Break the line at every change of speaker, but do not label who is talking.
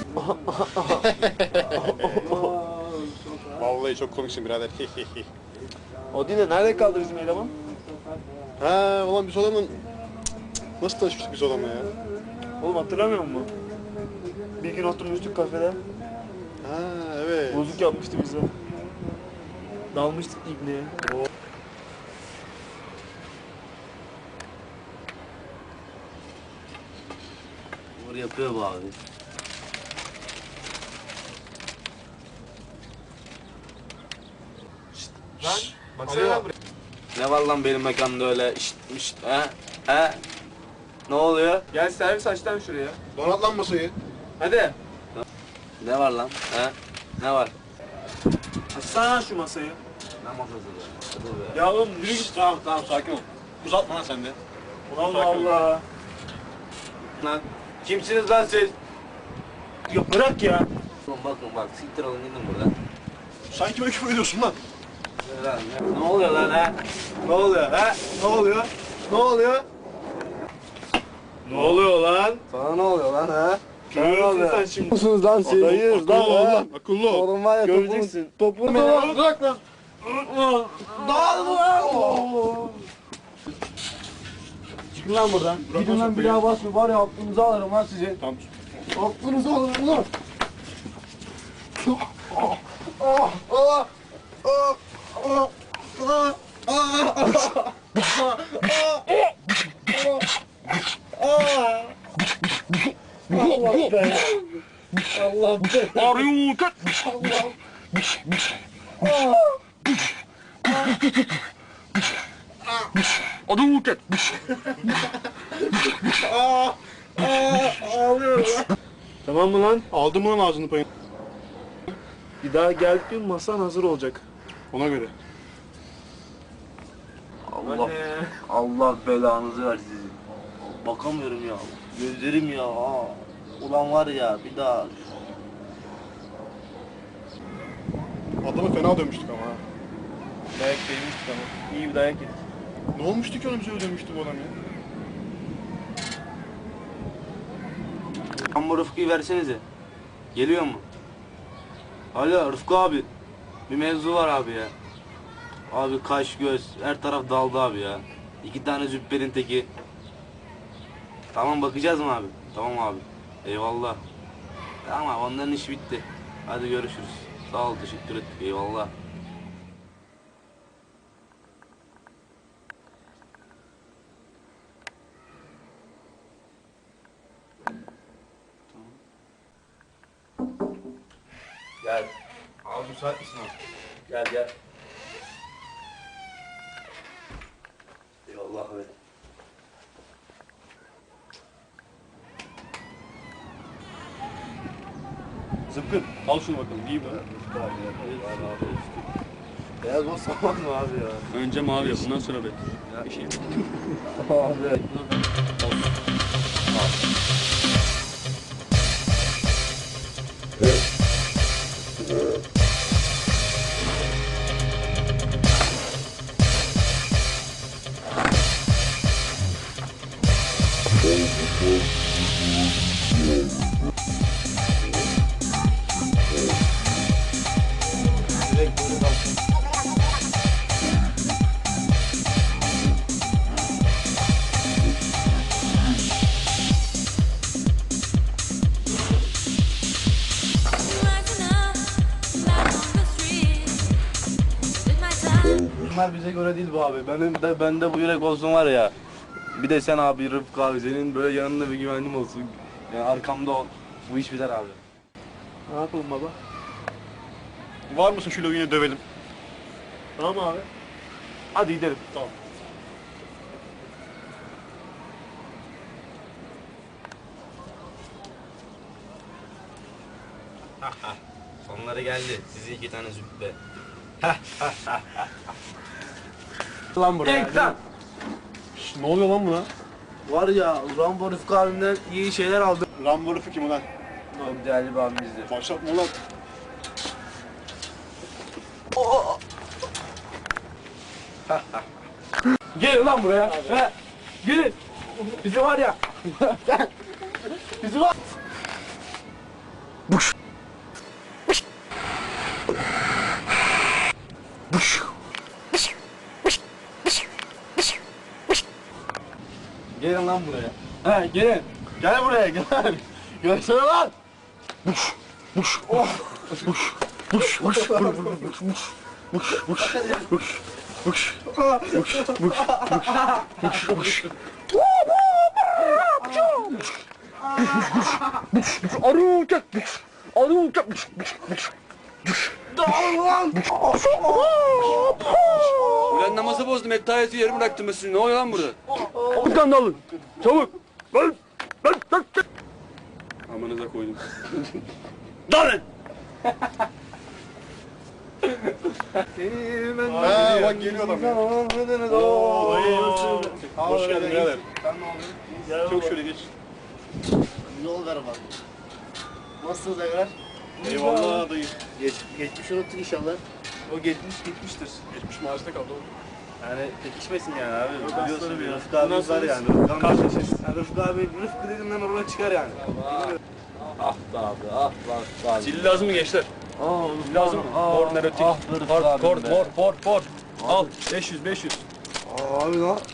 Vallahi çok komiksin birader.
O değil de nerede kaldı bizim eleman?
Ha ulan biz adamın... Nasıl tanışmıştık biz adamla ya?
Oğlum hatırlamıyor musun? Bir gün oturmuştuk kafede.
Ha evet.
Bozuk yapmıştı bize. Dalmıştık ibneye.
Vur yapıyor bu abi.
Lan baksana lan buraya.
Ne var lan benim mekanda öyle şşt he? Ne oluyor?
Gel servis aç lan şuraya.
Donat lan masayı.
Hadi.
Ne var lan? He? Ne var?
Açsana şu masayı.
Ne masası be? Hadi be.
Ya oğlum yürü git.
Tamam sakin ol. Uzatma lan sen de.
Allah Allah.
Lan kimsiniz lan siz?
Ya bırak ya.
Bakın bak siktir olun gidin buradan.
Sen kime küfür ediyorsun lan?
Ne oluyor lan he? Ne oluyor he? Ne oluyor? Ne oluyor?
Ne oluyor lan?
Sana ne oluyor lan he?
Görürsün sen şimdi.
Musunuz lan siz?
Dayıyız lan oğlum. Akıllı ol.
Oğlum var ya
Göreceksin.
topunu
Bırak lan.
Dağıl lan! Çıkın lan buradan. Gidin lan bir daha basma var ya aklınızı alırım lan sizi.
Tamam.
Aklınızı alırım lan.
Arıyor kat. Adı kat.
Tamam mı lan?
Aldım lan ağzını payını.
Bir daha geldiğin masan hazır olacak.
Ona göre.
Allah, Allah belanızı versin sizin. Bakamıyorum ya. Gözlerim ya. Ulan var ya bir daha.
Adamı fena dövmüştük ama ha.
Dayak yemiştik ama. İyi bir dayak yedik.
Ne olmuştu ki onu bize ödemişti bu adam ya?
Amma Rıfkı'yı versenize. Geliyor mu? Alo Rıfkı abi. Bir mevzu var abi ya. Abi kaş göz her taraf daldı abi ya. 2 tane züpperin teki. Tamam bakacağız mı abi? Tamam abi. Eyvallah. Tamam abi onların işi bitti. Hadi görüşürüz. Sağ ol teşekkür ettik eyvallah. Gel. Abi müsait misin abi? Gel gel. Eyvallah be.
Zıpkın. Al şunu bakalım. İyi mi?
Beyaz boz saman mı abi ya?
Önce mavi yap. Bundan sonra be. Bir şey.
Abi. Direkt böyle kalsın. Bunlar bize göre değil bu abi. Bende bu yürek olsun var ya. Bir de sen abi Rıfkı abi senin böyle yanında bir güvenliğim olsun. Yani arkamda ol. Bu iş biter abi.
Ne yapalım baba?
Var mısın şöyle yine dövelim.
Tamam abi. Hadi gidelim.
Tamam.
Sonları geldi. Sizi 2 tane züppe.
Lan buraya.
Şş, ne oluyor lan buna?
Var ya Rambo Rıfkı abimden iyi şeyler aldım.
Rambo Rıfı kim ulan?
Çok değerli bir abimizdir.
Başlatma ulan.
Gelin lan buraya. He. Gelin. Bizi var ya. Bizi var.
Gelin lan buraya. He gelin. Gel buraya gel. Gelsene lan.
Ulan namazı bozdum. Hep tayyatı yarım bıraktım ben sizi. Ne oluyor lan burada?
Buradan da alın. Çabuk. Lan.
Amanıza koydum.
Dalın.
Ha bak geliyor adam ya. Hoş geldin birader. Çok şöyle geç.
Yol ver bak. Nasılsınız Evler?
Eyvallah dayı.
Geçmiş unuttuk inşallah.
O gitmiştir.
Geçmiş maaşta kaldı oğlum.
Yani pekişmesin yani abi. Biliyorsun
bir
Rıfkı abimiz var yani.
Kardeşiz.
Yani Rıfkı abi, Rıfkı dediğinden oraya çıkar yani. Ah be abi, ah be abi.
Zil lazım mı gençler?
Lazım mı?
Korner ötük.
Ah be Rıfkı abim be.
Kort. Al. 500.
Abi lan.